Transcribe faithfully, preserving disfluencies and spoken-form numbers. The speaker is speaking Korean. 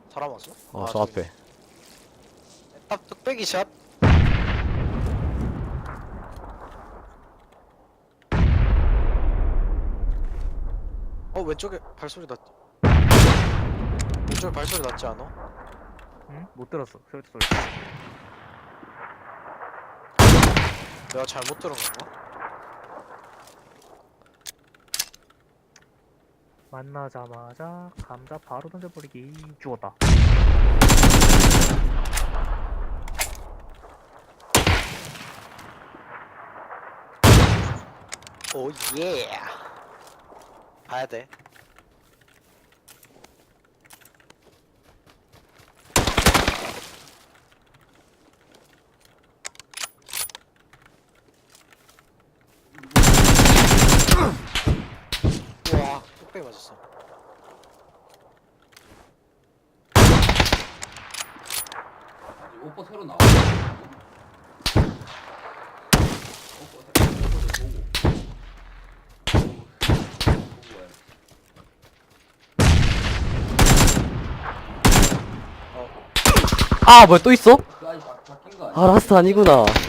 사람 왔어? 어, 아, 저 저기. 앞에. 딱 뚝배기 샷. 어 왼쪽에 발소리 났. 왼쪽에 발소리 났지 않아? 응? 못 들었어. 소리 소리. 내가 잘못 들은 건가? 만나자마자 감자 바로 던져버리기. 죽었다. 오 예. 봐야 돼. 우와 뚝배기 맞았어. 아직 오퍼 새로 나와. 오퍼 새로 오퍼도 보고. 보고 와야지. 아, 뭐야, 또 있어? 그 아직 바, 바뀐 거 아니야? 아, 라스트 아니구나.